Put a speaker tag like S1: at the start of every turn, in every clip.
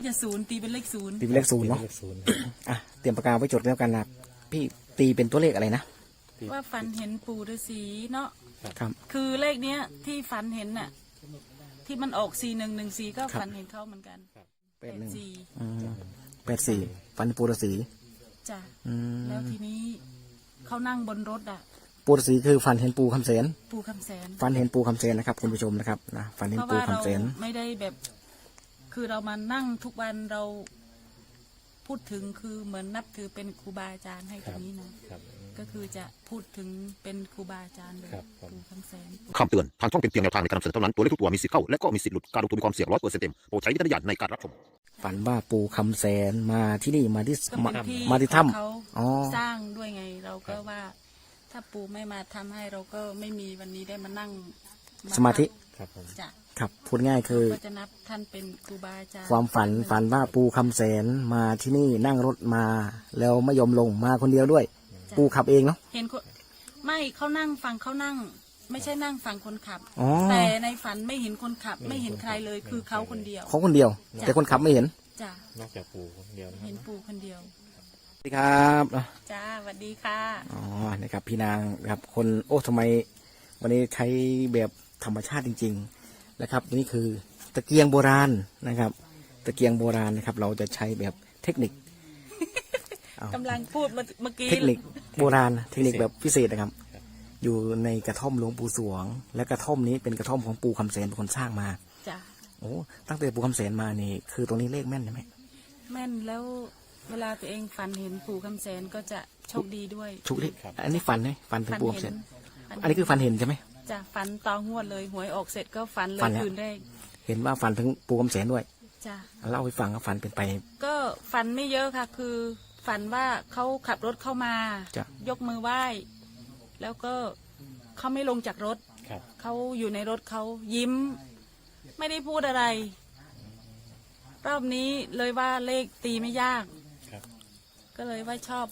S1: จะศูนย์ตีเป็นเลขศูนย์
S2: ตีเป็นเลขศูนย์เนาะอ่ะเตรียมปากกาไว้จดแล้วกันนะพี่ตีเป็นตัวเลขอะไรนะ
S1: ว่าฝันเห็นปู่ฤาษีเนาะ
S2: ครับ
S1: คือเลขเนี้ยที่ฝันเห็นน่ะที่มันออก4114ก็ฝันเห็นเขาเหมือนกัน
S2: 84ฝันปูฤาษี
S1: จ้ะแล้วทีนี้เขานั่งบนรถอ่ะ
S2: ปูฤาษีคือฝันเห็นปูคำแสนฝันเห็นปูคำแสนนะครับคุณผู้ชมนะครับนะฝันเห็นปูคำแสน
S1: ไม่ได้แบบคือเรามานั่งทุกวันเราพูดถึงคือเหมือนนับถือเป็นครูบาอาจารย์ให้ตรงนี้นะก็คือจะพูดถึงเป็นครูบาอาจารย์เลยปู่คำแสน
S3: คำเตือนทางช่องเป็นเพียงแนวทางในการนำเสนอเท่านั้นตัวเลขทุกตัวมีสิทธิ์เข้าและก็มีสิทธิ์หลุดการลงทุนมีความเสี่ยง100%เต็มโปรดใช้วิจารณญาณในการรับชม
S2: ฝันว่าปูคำแสนมาที่นี่มาที่ถ้
S1: ำเขาสร้างด้วยไงเราก็ว่าถ้าปู่ไม่มาทำให้เราก็ไม่มีวันนี้ได้มานั่ง
S2: สมาธิ
S1: จ้ะ
S2: ครับพูดง่ายคือ
S1: ก็จะนับท่านเป็นครูบาอาจารย์
S2: ความฝันว่าปูคำแสนมาที่นี่นั่งรถมาแล้วไม่ยอมลงมาคนเดียวด้วยปูขับเองเนาะ
S1: เห็นไม่เขานั่งฟังเขานั่งไม่ใช่นั่งฟังคนขับแต่ในฝันไม่เห็นคนขับไม่เห็นใครเลยคือเขาคนเดียว
S2: แต่คนขับไม่เห็น
S1: จ้ะ
S4: นอกจากปู่คนเดียว
S1: เห็นปู่คนเดียว
S2: สวัสดีครับ
S1: จ้าสวัสดีค่ะ
S2: อ๋อนะครับพี่นางครับคนโอ้ทำไมวันนี้ใช้แบบธรรมชาติจริงๆนะครับนี่คือตะเกียงโบราณนะครับตะเกียงโบราณนะครับเราจะใช้แบบเทคนิค
S1: กำลังพูดเมื่อกี้
S2: เทคนิคโบราณเทคนิคแบบพิเศษนะครับอยู่ในกระท่อมหลวงปู่สวงและกระท่อมนี้เป็นกระท่อมของปู่คำแสนเป็นคนสร้างมา
S1: จ้ะ
S2: โอ้ตั้งแต่ปู่คำแสนมานี่คือตรงนี้เลขแม่นใช่ไหม
S1: แม่นแล้วเวลาตัวเองฝันเห็นปู่คำแสนก็จะโชคดีด้วย
S2: โชคดีอันนี้ฝันไหมฝันถึงปู่คำแสนอันนี้คือฝันเห็นใช่ไหม
S1: จ้ะฝันตองวดเลยหวยออกเสร็จก็ฝันเลยคืนแรก
S2: เห็นว่าฝันถึงปู่คำแสนด้วย
S1: จ้ะ
S2: เล่าให้ฟังว่าฝันเป็นไป
S1: ก็ฝันไม่เยอะค่ะคือฝันว่าเขาขับรถเข้ามายกมือไหว้แล้วก็เขาไม่ลงจากรถเขาอยู่ในรถเขายิ้มไม่ได้พูดอะไรรอบนี้เลยว่าเลขตีไม่ยากก็เลยว่าชอบ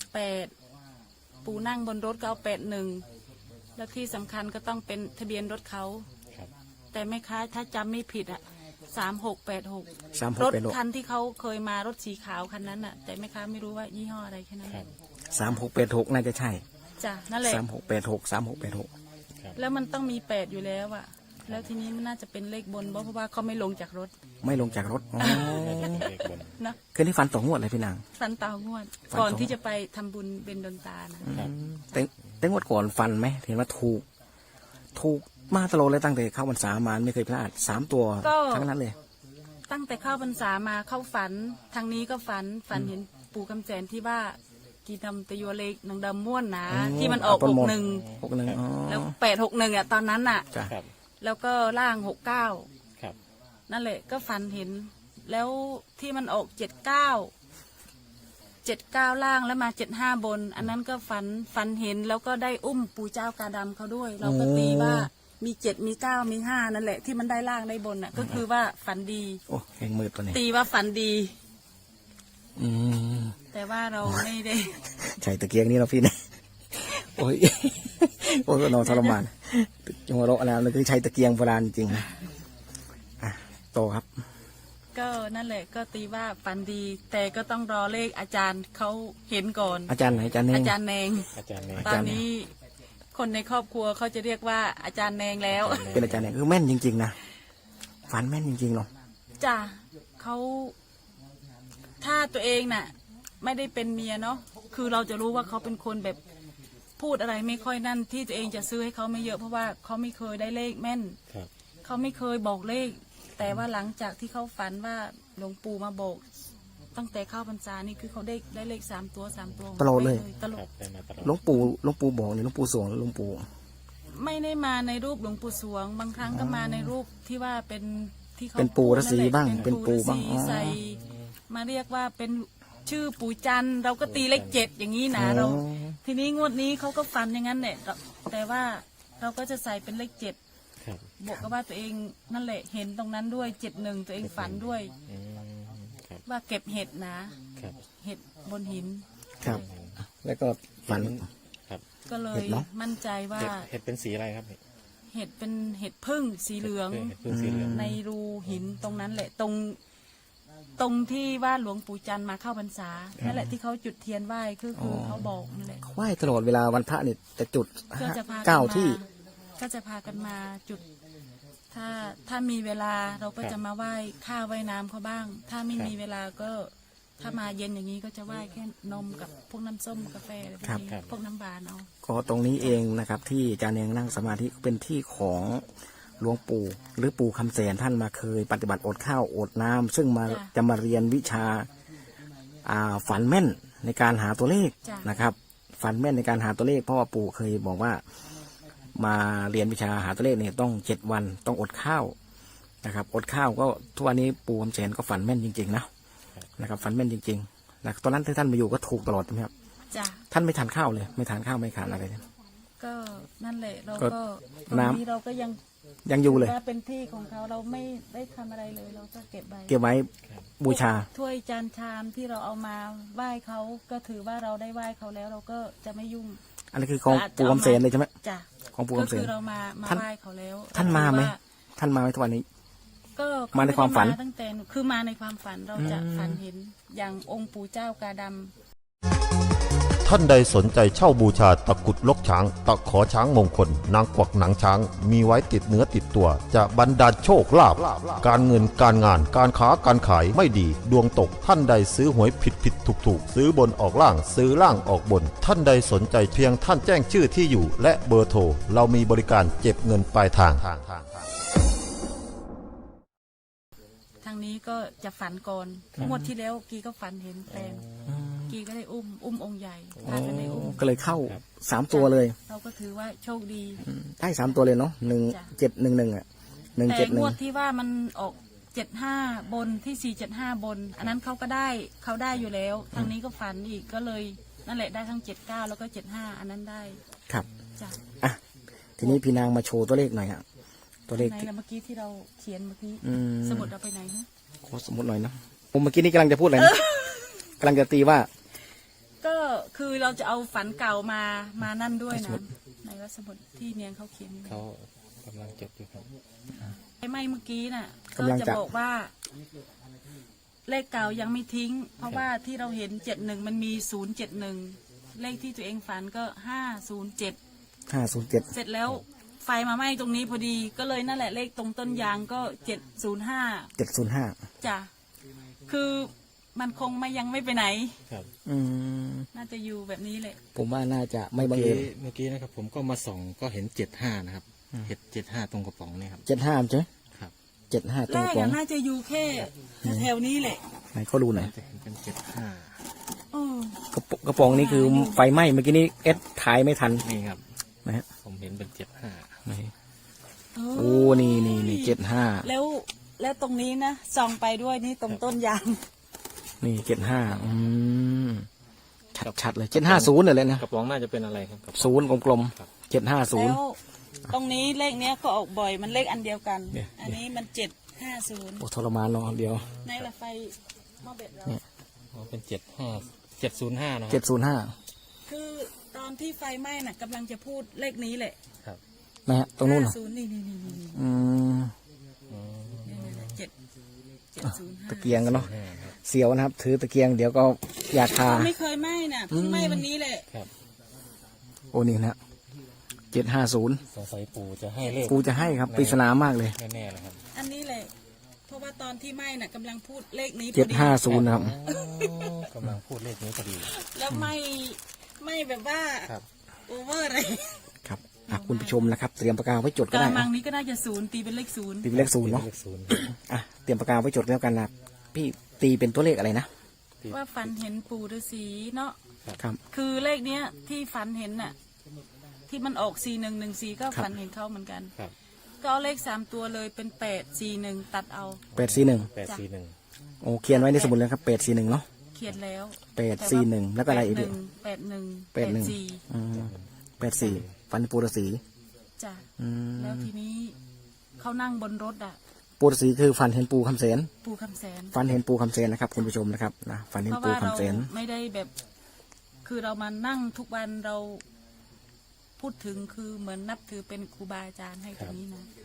S1: 8ปู่นั่งบนรถก็เอา81แล้วที่สำคัญก็ต้องเป็นทะเบียนรถเขาแต่แม่ค้าถ้าจำไม่ผิดอ่ะ3686รถคันที่เขาเคยมารถสีขาวคันนั้นอ่ะแต่แม่ค้าไม่รู้ว่ายี่ห้ออะไรแค่นั้น
S2: 3686น่าจะใช่
S1: จ้ะนั่นแหละ
S2: 3686
S1: แล้วมันต้องมี8อยู่แล้วอ่ะแล้วทีนี้มันน่าจะเป็นเลขบนเพราะว่าเขาไม่ลงจากรถ
S2: นะคืนนี้ฝันต่องวดเลยพี่นาง
S1: ฝันต่องวดก่อนที่จะไปทำบุญเป็นดนตานะ
S2: แต่งวดก่อนฝันไหมเห็นว่าถูกมาตลอดเลยตั้งแต่เข้าพรรษามาไม่เคยพลาด3ตัวทั้งนั้นเลย
S1: ตั้งแต่เข้าพรรษามาเข้าฝันทางนี้ก็ฝันเห็นปู่คำแสนที่ว่ากีดำตะยัวเล็กนางดำม้วนนะที่มันออก61แล้ว861อ่ะตอนนั้นอ่ะแล้วก็ล่าง69นั่นแหละก็ฝันเห็นแล้วที่มันออก79ล่างแล้วมา75บนอันนั้นก็ฝันเห็นแล้วก็ได้อุ้มปู่เจ้ากาดำเขาด้วยเราก็ตีว่ามี7มี9มี5นั่นแหละที่มันได้ล่างได้บนอ่ะก็คือว่าฝันดี
S2: โอ้แข่งมือตัวนี้
S1: ตีว่าฝันดีแต่ว่าเราไม่ได้
S2: ใช่ตะเกียงนี่เราพี่นะโอ้ยนอนทรมานจังหวะเราอะไรเราคือใช้ตะเกียงโบราณจริงนะโตครับ
S1: ก็นั่นแหละก็ตีว่าฝันดีแต่ก็ต้องรอเลขอาจารย์เขาเห็นก่อน
S2: อาจารย์ไหนอาจารย์แน
S1: งตอนนี้คนในครอบครัวเขาจะเรียกว่าอาจารย์แนงแล้ว
S2: เป็นอาจารย์แนงคือแม่นจริงๆนะฝันแม่นจริงๆหรอ
S1: จ้ะเขาถ้าตัวเองน่ะไม่ได้เป็นเมียเนาะคือเราจะรู้ว่าเขาเป็นคนแบบพูดอะไรไม่ค่อยนั่นที่ตัวเองจะซื้อให้เขาไม่เยอะเพราะว่าเขาไม่เคยได้เลขแม่นเขาไม่เคยบอกเลขแต่ว่าหลังจากที่เขาฝันว่าหลวงปู่มาบอกตั้งแต่เข้าพรรษานี่คือเขาได้เลข3ตัว
S2: ตลอดเลย
S1: ตลอด
S2: หลวงปู่บอกเนี่ยหลวงปู่สวงหลวงปู่
S1: ไม่ได้มาในรูปหลวงปู่สวงบางครั้งก็มาในรูปที่ว่าเป็นที่เขา
S2: เป็นปู่ฤาษีบ้างเป็นปู่บ้าง
S1: ใส่มาเรียกว่าเป็นชื่อปู่จันเราก็ตีเลข7อย่างนี้นะเราทีนี้งวดนี้เขาก็ฝันอย่างนั้นแหละแต่ว่าเราก็จะใส่เป็นเลข7บวกกับว่าตัวเองนั่นแหละเห็นตรงนั้นด้วย71ตัวเองฝันด้วยว่าเก็บเห็ดนะเห็ดบนหิน
S2: ครับแล้วก็ฝัน
S1: ก็เลยมั่นใจว่า
S4: เห็ดเป็นสีอะไรครับ
S1: เห็ดเป็นเห็ดพึ่งสีเหลืองในรูหินตรงนั้นแหละตรงตรงที่ว่าหลวงปู่จันทร์มาเข้าพรรษานั่นแหละที่เขาจุดเทียนไหว้คือเขาบอกนั่นแหละ
S2: ไหว้ตลอดเวลาวันพระนี่จะจุด
S1: ก็จะพากัน
S2: เก้า
S1: มา
S2: ที่
S1: ก็จะพากันมาจุด ถ้ามีเวลาเราก็จะมาไหว้ข้าวไหว้น้ำเขาบ้าง ถ้าไม่มีเวลาก็ถ้ามาเย็นอย่างนี้ก็จะไหว้แค่นมกับพวกน้ำส้มกาแฟอะไรพวกนี้พวกน้ำบานเอา
S2: ก็ตรงนี้เองนะครับที่อาจารย์เองนั่งสมาธิเป็นที่ของหลวงปู่หรือปู่คำแสนท่านมาเคยปฏิบัติอดข้าวอดน้ำซึ่งมาจะมาเรียนวิชาฝันแม่นในการหาตัวเลขนะครับฝันแม่นในการหาตัวเลขเพราะว่าปู่เคยบอกว่ามาเรียนวิชาหาตัวเลขเนี่ยต้อง7 วันต้องอดข้าวนะครับอดข้าวก็ทุกวันนี้ปู่คำแสนก็ฝันแม่นจริงๆนะครับฝันแม่นจริงๆนะตอนนั้นที่ท่านมาอยู่ก็ถูกตลอดใช่ไหมครับ
S1: จ้ะ
S2: ท่านไม่ทานข้าวเลยไม่ทานข้าวไม่ทานอะไรเลย
S1: ก็นั่นแหละเรา
S2: ก็
S1: ก็ตรง
S2: น้ำ
S1: นี้เราก็ยัง
S2: ยังอยู่เลย
S1: ว่าเป็นที่ของเขาเราไม่ได้ทำอะไรเลยเราก็เก็บไว้
S2: เก็บไว้บูชา
S1: ถ้วยจานชามที่เราเอามาไหว้เขาก็ถือว่าเราได้ไหว้เขาแล้วเราก็จะไม่ยุ่ง
S2: อันนี้คือของปู่คำเสนเลยใช่ไหม
S1: จ้ะ
S2: ของปู่
S1: ก็
S2: คำเส
S1: คื
S2: น
S1: อเรามา
S2: ท่าน
S1: ไหว้เขาแล้ว
S2: ท่านมาไหม
S1: เรถือว่
S2: ท่านมาไหมทุกวันนี้
S1: ก็
S2: มาในความฝัน
S1: เขไได้ตั้งแต่คือมาในความฝันเราจะฝันเห็นอย่างองค์ปู่เจ้ากาดำ
S3: ท่านใดสนใจเช่าบูชาตะกรุดลกช้าง ตะขอช้างมงคล นางกวักหนังช้าง มีไว้ติดเนื้อติดตัว จะบรรดาลโชคลาภการเงินการงานการค้าการขายไม่ดี ดวงตกท่านใดซื้อหวยผิดถูกซื้อบนออกล่างซื้อล่างออกบน ท่านใดสนใจเพียงท่านแจ้งชื่อที่อยู่ และเบอร์โทรเรามีบริการเก็บเงินปลายทาง
S1: ทางนี้ก็จะฝันก่อนงวดที่แล้วกีก็ฝันเห็นแปลงกีก็ได้อุ้มองค์ใหญ่พากันได้อุ้ม
S2: ก็เลยเข้า3 ตัวเลย
S1: เราก็ถือว่าโชคดี
S2: ได้3 ตัวเลยเนาะ1711อ่ะ
S1: แต่งวด
S2: 171
S1: ที่ว่ามันออก75บนที่475บน อันนั้นเขาก็ได้เขาได้อยู่แล้ว ทางนี้ก็ฝันอีกก็เลยนั่นแหละได้ทั้ง79แล้วก็75อันนั้นได้
S2: ครับ
S1: จ้ะ
S2: อ่ะทีนี้พี่นางมาโชว์ตัวเลขหน่อยฮะตัวเลข
S1: ไหนล่ะเมื่อกี้ที่เราเขียนเมื่อกี้
S2: อืม
S1: สมุดเราไปไหนฮะ
S2: ขอสมมติหน่อยนะผมเมื่อกี้นี้กำลังจะพูดอะไรนะกำลังจะตีว่า
S1: ก็คือเราจะเอาฝันเก่ามานั่นด้วยนะในว่าสมุดที่เนียงเขาเขียน
S4: เขากำลังจดอยู่ครับ
S1: ไอ้ไม่เมื่อกี้น่ะก็
S2: กำลัง
S1: จะ
S2: จะ
S1: บอกว่า เลขเก่ายังไม่ทิ้ง เพราะว่าที่เราเห็น71มันมี071เลขที่ตัวเองฝันก็507
S2: 507
S1: เสร็จแล้วไฟมาไหม้ตรงนี้พอดีก็เลยนั่นแหละเลขตรงต้นยางก็705
S2: 705
S1: จ้ะคือมันคงยังไม่ไปไหน
S4: ครับ
S2: อืม
S1: น่าจะอยู่แบบนี้แหละ
S2: ผมว่าน่าจะไม่บังเอิญ
S4: เมื่อกี้นะครับผมก็มาส่องก็เห็น75นะครับเห็น75ตรงกระป๋องนี่ครับ
S2: 75ใช่ไหม
S4: ครับ
S2: 75ต
S1: แร
S2: รง
S1: ก
S2: กลอง
S1: น่าจะอยู่แค่แถวๆนี้แหละ
S2: ไหนเขาดูหน่อย
S4: จะเห็นเป็น75
S1: เออ
S2: กระป๋องนี่คือไฟไหม้เมื่อกี้นี้เอสถ่ายไม่ทัน
S4: นี่ครับ
S2: นะฮะ
S4: ผมเห็นเป็น75
S2: ไหน
S1: เอ
S2: โอ้นี่75
S1: แล้วตรงนี้นะส่องไปด้วยนี่ตรงต้นยาง
S2: นี่75ชัดๆเลย750เลยนะ
S4: กระป๋องน่าจะเป็นอะไรครับกระป๋อง
S2: ศูนย์กลม
S4: ครับ
S2: ๆ
S1: แล้ว
S2: 750
S1: ตรงนี้เลขเนี้ยก็ออกบ่อยมันเลขอันเดียวกัน
S2: เนี่ย
S1: อันนี้มัน750
S2: โอ้ทรมานเนาะเดียว
S1: ในละไฟหม้อเบ็ดเรา
S4: อ๋อเป็น705นะครับ
S2: 705
S1: คือตอนที่ไฟไหม้น่ะกำลังจะพูดเลขนี้แหละ
S4: ครับ
S2: นะฮะตรงนู้นเหรอ
S1: 50นี่
S2: อืม
S1: 705
S2: ตะเกียงกันเนาะเสียวนะครับ ถือตะเกียงเดี๋ยวก็อยากทา
S1: ไม่เคยไหม้น่ะเพิ่งไหม้วันนี้แหละ
S4: ครับ
S2: โอ้นี่นะ750
S4: สงสัยปู่จะให้เลข
S2: กูจะให้ครับปริศนามากเลย
S4: แน่ๆเลยครับ
S1: อันนี้แหละเพราะว่าตอนที่ไหม้น่ะกำลังพูดเลขนี้พอดี
S2: 750นะครับ
S4: อ๋อกำลังพูดเลขนี้พอดี
S1: แล้วไหม้แบบว่า
S4: ครับ
S1: โอเวอร์อะไร
S2: ครับอ่ะคุณผู้ชมนะครับ เตรียมปากกาไว้จด
S1: ก
S2: ก็ได้
S1: ระมั
S2: อ่ะ
S1: งนี้ก็น่าจะ0ตีเป็นเลข0
S2: ตีเป็นเลข0เนาะ
S4: เลขศูนย์
S2: อ่ะเตรียมปากกาไว้จดแล้วกันนะพี่ตีเป็นตัวเลขอะไรนะ
S1: ว่าฝันเห็นปู่ฤาษีเนาะ
S2: ครับ
S1: คือเลขเนี้ยที่ฝันเห็นน่ะที่มันออก4114ก็ฝันเห็นเขาเหมือนกัน
S4: ครับ
S1: ก็เอาเลข3ตัวเลยเป็น841ตัดเอา
S2: 841
S4: 841
S2: โอ้เขียนไว้ในสมุดเลยครับ841เนาะ
S1: เขียนแล้ว
S2: 841แล้วก็อะไรอีกดิ
S1: 81
S2: 81อืม84ฟันปูรสี
S1: จ้ะ
S2: อืม
S1: แล้วทีนี้เขานั่งบนรถอ่ะ
S2: ปูรสีคือฟันเห็นปูคำเสน
S1: ปู่คำแสน
S2: ฟันเห็นปูคำเสนนะครับคุณผู้ชมนะครับนะฟันเห็
S1: เพ
S2: น
S1: ราะ
S2: ปู
S1: ว่าเรา
S2: คำเสน
S1: ไม่ได้แบบ คือเรามานั่งทุกวันเราพูดถึงคือเหมือนนับถือเป็นครูบาอาจารย์ให้ตรงนี้นะครับ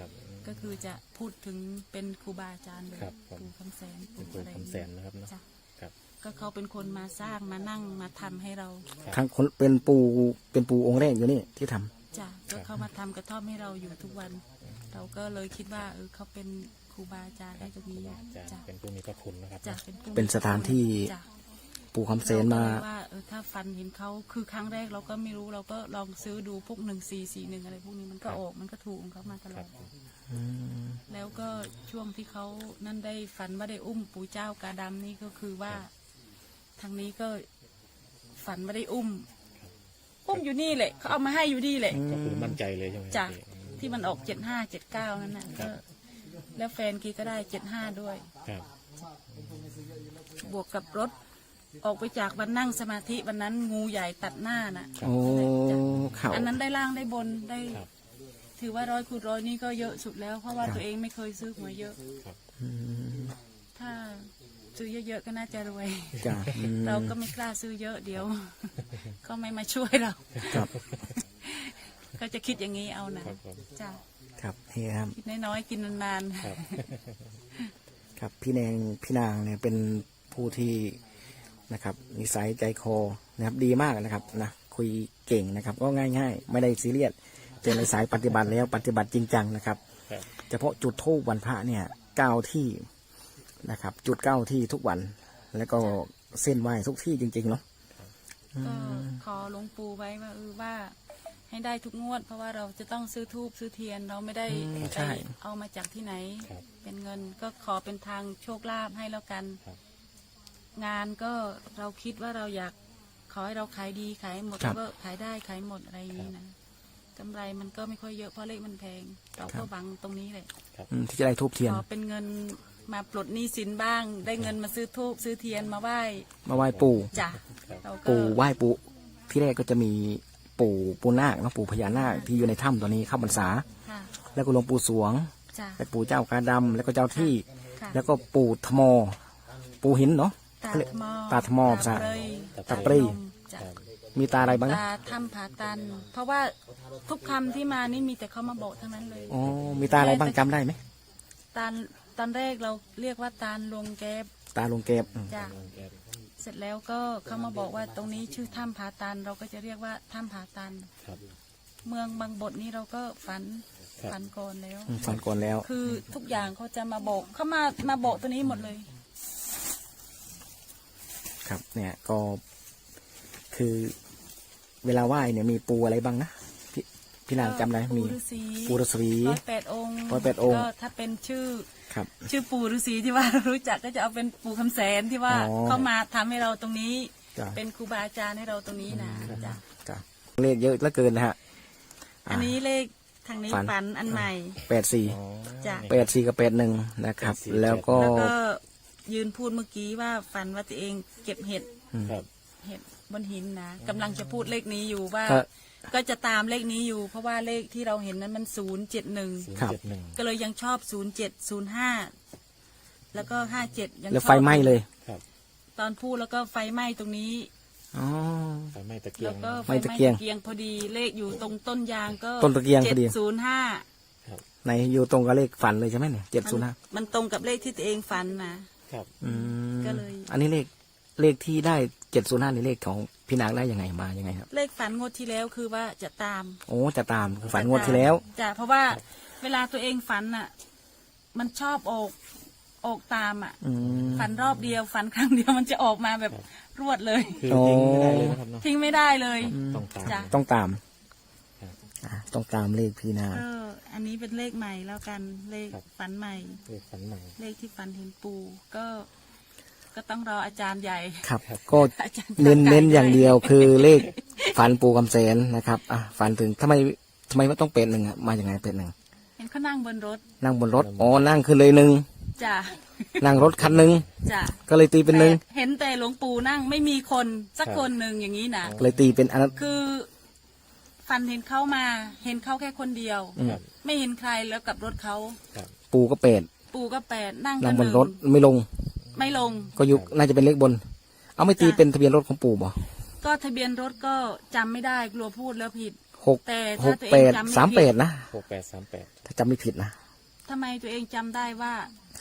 S1: ก็คือจะพูดถึงเป็นครูบาอาจารย์เลย
S4: ครับผม
S1: ปู่คำแสน
S4: เป็นปู่
S1: อะไร
S4: คำแสนนะครับเนาะ
S1: จ้ะ
S4: ครับ
S1: ก็เขาเป็นคนมาสร้างมานั่งมาทำให้เรา
S2: ครั้งคนเป็นปูองค์แรกอยู่นี่ที่ทำ
S1: จ้ะก็เขามาทำกระท่อมให้เราอยู่ทุกวัน เราก็เลยคิดว่าเขาเป็นครูบาอาจารย์ให้ตรงนี้
S4: จะ
S1: จ้ะ
S4: เป็นผู้มีพระคุณนะครับ
S1: จ้ะเป็นผู้
S2: เป็นสถานที่
S1: จ้ะ
S2: ปู่คำเสนมา
S1: รก็เลยว่าถ้าฟันเห็นเขาคือครั้งแรกเราก็ไม่รู้เราก็ลองซื้อดูพวก1441อะไรพวกนี้มันก็ออกมันก็ถูกของเขามาตล
S4: ครั
S1: อบ ด แล้วก็ช่วงที่เขานั่นได้ฝันว่าได้อุ้มปู่เจ้ากาดำนี่ก็คือว่าทางนี้ก็ฝันว่าได้อุ้มอยู่นี่แหละเขาเอามาให้อยู่นี่แหละ
S4: ก็คือมั่นใจเลยใช่ไหม
S1: จ้ะ
S4: พี่
S1: ที่มันออก7579นั่นน่ะก็แล้วแฟนกีก็ได้75ด้วย
S4: ครับ
S1: บวกกับรถออกไปจากวันนั่งสมาธิวันนั้นงูใหญ่ตัดหน้าน่ะ
S2: โอ้
S1: จ้ะ
S2: เข่า
S1: อันนั้นได้ล่างได้บนได้
S4: ครับ
S1: ถือว่า100 คูณ 100นี่ก็เยอะสุดแล้ว เพราะว่าตัวเองไม่เคยซื้อหวยเยอะ ถ้าซื้อเยอะๆก็น่าจะรวย
S2: จ้ะอืม
S1: เราก็ไม่กล้าซื้อเยอะเดี๋ยว ก็ไม่มาช่วยเรา
S2: ครับ
S1: ก็จะคิดอย่างนี้เอานะครับ
S4: ผม
S1: จ้ะ
S2: ครับนี่ครับ
S1: คิดน้อยๆกินนาน
S4: ครับ
S2: ครับพี่นางเนี่ยเป็นผู้ที่นะครับนิสัยใจคอนะครับดีมากนะครับนะคุยเก่งนะครับ ก็ง่ายๆ ไม่ได้ซีเรียสเป็นในสายปฏิบัติแล้วปฏิบัติจริงจังนะครับ
S4: ครับ
S2: เฉพาะจุดธูปวันพระเนี่ย9 ที่นะครับ จุด9 ที่ทุกวัน แล้วก็เส้นไหว้ทุกที่จริงๆเนาะ
S1: ๆก็ขอหลวงปู่ไว้ว่าว่าให้ได้ทุกงวด เพราะว่าเราจะต้องซื้อธูปซื้อเทียนเราไม่ได้ไปเอามาจากที่ไหน
S4: ครับ
S1: เป็นเงินก็ขอเป็นทางโชคลาภให้แล้วกัน
S4: ครับ
S1: งานก็เราคิดว่าเราอยากขอให้เราขายดีขายหมดแล้วก็ขายได้ขายหมดอะไรอย่างนี้นะกำไรมันก็ไม่ค่อยเยอะเพราะเลขมันแพง เราก็หวังตรงนี้แหละ
S2: ที่จะได้ทูบเทียน
S1: ขอเป็นเงินมาปลดหนี้สินบ้าง ได้เงินมาซื้อธูปซื้อเทียนมาไหว้
S2: มาไหว้ปู่
S1: จ้ะเราก็
S2: ปู่ไหว้ปู่ที่แรกก็จะมีปู่นาคเนาะปู่พญานาคที่อยู่ในถ้ำตัวนี้เข้าพรรษา
S1: ค่ะ
S2: แล้วก็หลวงปู่สวง
S1: จ้ะ
S2: และปู่เจ้ากาดำแล้วก็เจ้าที่
S1: ค่ะ
S2: แล้วก็ปู่ทมปู่หินเนาะ
S1: ตาทมอ
S2: ตาทมอภาษา ตาปรี
S1: จ้ะ
S2: มีตาอะไรบ้างนะ
S1: ตาถ้ำผาตัน เพราะว่าทุกคำที่มานี่มีแต่เขามาบอกทั้งนั้นเลย
S2: อ๋อมีตาอะไรบ้างจำได้ไหม
S1: ตอนแรกเราเรียกว่าตาลลวงแก๊บ
S2: ตาลุงเก็บ
S1: จ้ะเสร็จแล้วก็เขามาบอกว่าตรงนี้ชื่อถ้ำผาตัน เราก็จะเรียกว่าถ้ำผาตัน
S4: ครับ
S1: เมืองบางบทนี้เราก็ฝัน
S4: ครับ
S1: ฝันก่อนแล้ว
S2: ฟันก่อนแล้ว
S1: คือทุกอย่างเขาจะมาบอกเขามาบอกตัวนี้หมดเลย
S2: ครับ เนี่ยก็คือเวลาไหว้เนี่ยมีปูอะไรบ้างนะพี่นางจำได้มี ปูฤาษี
S1: 108 องค์
S2: 108 องค์
S1: ก็ถ้าเป็นชื่อ
S2: ครับ
S1: ชื่อปู่ฤาษีที่ว่าเรารู้จักก็จะเอาเป็นปู่คำแสนที่ว่า
S2: อ๋อ
S1: เขามาทำให้เราตรงนี้
S2: จ้ะ
S1: เป็นครูบาอาจารย์ให้เราตรงนี้นะจ้ะ
S2: จ้ะเลขเยอะเหลือเกินนะฮะ
S1: อันนี้เลขทางนี้
S2: ฝัน
S1: ฝันอันใหม่
S2: 84
S4: อ๋อ
S1: จ้ะ
S2: 84กับ81นะครับ
S4: 84
S2: แล้วก็
S1: แล้วก็ยืนพูดเมื่อกี้ว่าฝันว่าตัวเองเก็บเห็ด
S4: ครับ
S1: เห็ดบนหินนะกำลังจะพูดเลขนี้อยู่ว่า
S2: ก็
S1: ก็จะตามเลขนี้อยู่ เพราะว่าเลขที่เราเห็นนั้นมัน071
S2: ครับ
S4: 071
S1: ก็เลยยังชอบ0705แล้วก็57ยังชอบ
S2: แล้วไฟไหม้เลย
S4: ครับ
S1: ตอนพูดแล้วก็ไฟไหม้ตรงนี้
S2: อ๋อ
S4: ไฟไหม้ตะเกีย
S1: แล้
S4: ง
S1: วก็
S2: ไหม้
S1: ไฟ
S2: ตะ
S1: ไหม้
S2: เกียง
S1: ตะเกียงพอดีเลขอยู่ตรงต้นยางก็
S2: ต้นตะเกียงพอดี
S1: 705
S4: ครับ
S2: ในอยู่ตรงกับเลขฝันเลยใช่ไหมเนี่ย705
S1: มันตรงกับเลขที่ตัวเองฝันนะ
S4: ครับ
S2: อืม
S1: ก็เลย
S2: อันนี้เลขที่ได้705นี่เลขของพี่นางได้ยังไงมายังไงครับ
S1: เลขฝันงวดที่แล้วคือว่าจะตาม
S2: โอ้จะตามคือฝันงวดที่แล้ว
S1: จ้ะเพราะว่าเวลาตัวเองฝันอ่ะ มันชอบออกตามอ่ะ
S2: อืม
S1: ฝันรอบเดียวฝันครั้งเดียวมันจะออกมาแบบรวดเลย
S4: คือทิ้งไม่ได้เลยนะครับเนาะ
S1: ทิ้งไม่ได้เลย
S4: ต้องตาม
S1: จ้ะ
S2: ต้องตาม
S4: ครับ
S2: ต้องตามเลขพี่นาง
S1: อันนี้เป็นเลขใหม่แล้วกันเลข
S4: ครับ
S1: ฝันใหม่
S4: เลขฝันใหม่
S1: เลขที่ฝันเห็นปูก็ต้องรออาจารย์ใหญ่
S2: ครับ ก็
S1: อาจารย์
S2: เน้น
S1: ไก่
S2: เน้นอย่างเดียวคือเลขฝันปูคำแสนนะครับฝันถึงทำไมไม่ต้องเป็นหนึ่งอะมาอย่างไงเป็นหนึ่ง
S1: เห็นเขานั่งบนรถ
S2: นั่งบนรถอ๋อนั่งขึ้นเลยหนึ่ง
S1: จ้ะ
S2: นั่งรถคันหนึ่ง
S1: จ้ะ
S2: ก็เลยตีเป็นหนึ่ง
S1: แต่เห็นแต่หลวงปู่นั่งไม่มีคนสักคนหนึ่งอย่างนี้นะ
S2: เลยตีเป็นอันนั้น
S1: คือฝันเห็นเขามาเห็นเขาแค่คนเดียว
S4: ครับ
S1: ไม่เห็นใครแล้วกับรถเขา
S4: ครับ
S2: ปูก็เป็ด
S1: ปู่ก็8นั่ง
S2: นั่
S1: กั
S2: ง
S1: น
S2: บ
S1: ห
S2: น
S1: นึ่ง
S2: รถไม่ลง
S1: ไม่ลง
S2: ก็ยุน่าจะเป็นเลขบน เอาไม่ตี
S1: จ้ะ
S2: เป็นทะเบียนรถของปู่บ่
S1: ก็ทะเบียนรถก็จำไม่ได้กลัวพูดแล้วผิด
S2: หก
S1: แต่
S2: ห
S1: ถ้าก ตัวเอ
S2: แป
S1: ง
S2: ด
S1: จำไม่
S2: สาม
S1: ผิ
S2: แป
S1: ด
S2: ดนะ
S4: 6838
S2: ถ้าจำไม่ผิดนะ
S1: ทำไมตัวเองจำได้ว่า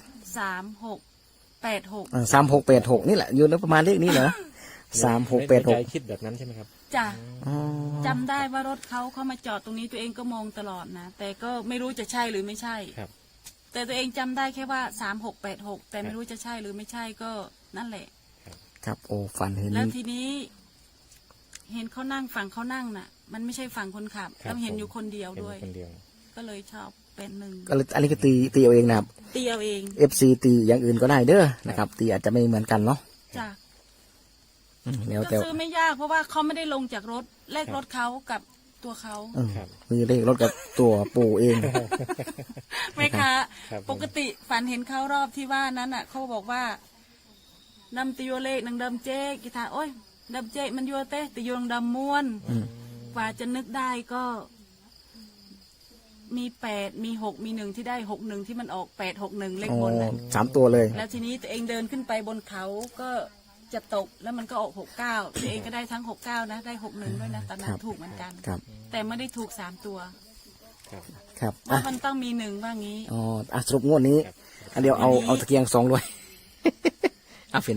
S1: 3686
S2: 3686นี่แหละอยู่ในประมาณเลขนี้เหรอ
S4: ในใจ
S2: 3686
S4: คิดแบบนั้นใช่ไหมครับ
S1: จ้ะ
S2: อ๋อ
S1: จำได้ว่ารถเขาเข้ามาจอดตรงนี้ตัวเองก็มองตลอดนะแต่ก็ไม่รู้จะใช่หรือไม่ใช่
S4: ครับ
S1: แต่ตัวเองจำได้แค่ว่า3686แต่ไม่รู้จะใช่หรือไม่ใช่ก็นั่นแหละ
S2: ครับโอ้ฝันเห็น
S1: แล้วทีนี้ เห็นเขานั่งฝั่งเขานั่งน่ะ มันไม่ใช่ฝั่งคนขับ
S4: ครับ
S1: แล้วเห็น
S4: ผม
S1: อยู่คนเดียว
S4: เห็น
S1: ด้วย
S4: คนเดียว
S1: ก็เลยชอบเป็นหนึ่ง
S2: ก็เลยอันนี้ก็ตีเอาเองนะครับ
S1: ตีเอาเอง
S2: FC ตีอย่างอื่นก็ได้เด้อนะครับตีอาจจะไม่เหมือนกันเนาะ
S1: จ้ะ
S2: แล้ว
S1: ก็
S2: แต่
S1: ซื้อไม่ยากเพราะว่าเขาไม่ได้ลงจากรถแลกรถเขากับตัวเขา
S4: ครับ
S2: มีเลขรถกับตัวปู่เอง
S1: แม่ค้า
S4: ครับผม
S1: ปกติฝันเห็นเขารอบที่ว่านั้นอ่ะเขาบอกว่านำติโยเลขนังดำเจ๊กีตาโอ้ยดำเจ๊มันโยเต้ติโยงดำม้วนกว่าจะนึกได้ก็ มี8มี6มี1ที่ได้61ที่มันออก861เลข
S2: อ๋อบ
S1: นน่ะ
S2: 3 ตัวเลย
S1: แล้วทีนี้ตัวเองเดินขึ้นไปบนเขาก็จะตกแล้วมันก็ออก69ตัวเองก็ได้ทั้ง69นะได้61ด้วยนะตอนนั้นถูกเหมือนกัน
S2: ครับ
S1: แต่ไม่ได้ถูก3ตัว
S4: ครับ
S2: ครับ
S1: เพ
S2: อ่ะ
S1: ราะมันต้องมี1ว่างี้
S2: อ๋อสรุปงวดนี้ อันเดียวเอาตะเกียง2ด้วย อ่ะฟินเน่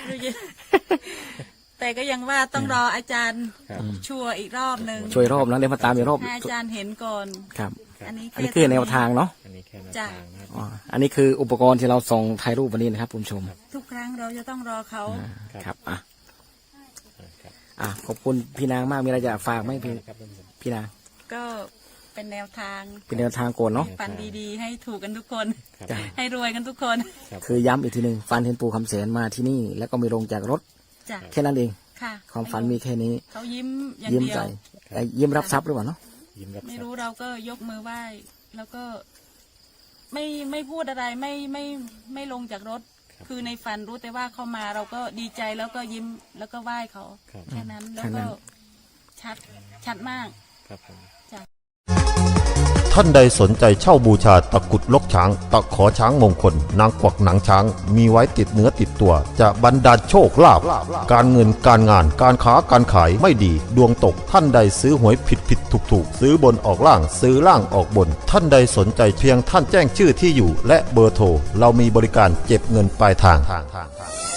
S1: แต่ก็ยังว่าต้องรออาจารย์
S4: ครับ
S1: ชัวร์อีกรอบหนึ่ง
S2: ช่วยรอบนะเดี๋ยวมาตามอีกรอบ
S1: ให้อาจารย์เห็นก่อน
S2: ครับ
S1: อันนี้
S2: อันนี้คือแนวทางเนาะ
S4: อันนี้แค่แนว
S1: จ้ะ
S4: ทางนะครับ
S2: อ๋ออันนี้คืออุปกรณ์ที่เราส่งถ่ายรูปวันนี้นะครับคุณผู้ชม
S1: ทุกครั้งเราจะต้องรอเขา
S2: ครับอ่ะ
S4: ครับ
S2: ขอบคุณพี่นางมากมีอะไรจะฝากไหมพี่
S4: ครับท่านผู้ชม
S2: พี่นาง
S1: ก็เป็นแนวทาง
S2: เป็นแนวทางโกนเนาะ
S1: ปันดีๆ ให้ถูกกันทุกคน
S4: ครับ
S2: จ้ะ
S1: ให้รวยกันทุกคน
S4: ครับ
S2: คือย้ำอีกทีหนึ่งฟันเห็นปู่คำแสนมาที่นี่ แล้วก็ไม่ลงจากรถ
S1: จ้ะ
S2: แค่นั้นเอง
S1: ค่ะ
S2: ความฝันมีแค่นี้
S1: เขายิ้มอย่าง
S2: ยิ้ม
S1: เดีย
S2: ใจ
S1: ว
S2: ยิ้มรับทรัพย์หรือเปล่าเนาะ
S4: ยิ้มรับ
S1: ไม่
S4: ทรัพ
S1: รู้
S4: ย์
S1: เราก็ยกมือไหว้ แล้วก็ไม่พูดอะไรไม่ลงจากรถ คือในฝันรู้แต่ว่าเขามาเราก็ดีใจแล้วก็ยิ้มแล้วก็ไหว้เขา
S4: ครับ
S1: แค่นั้นแล้ว
S2: แค่นั้
S1: ก็
S2: น
S1: ชัดมาก
S4: ครับผม
S3: ท่านใดสนใจเช่าบูชาตะกรุดลกช้าง ตะขอช้างมงคล นางกวักหนังช้าง มีไว้ติดเนื้อติดตัว จะบรรดาลโชคลาภการเงินการงานการค้าการขายไม่ดี ดวงตกท่านใดซื้อหวยผิดถูกซื้อบนออกล่างซื้อล่างออกบน ท่านใดสนใจเพียงท่านแจ้งชื่อที่อยู่ และเบอร์โทรเรามีบริการเก็บเงินปลายทาง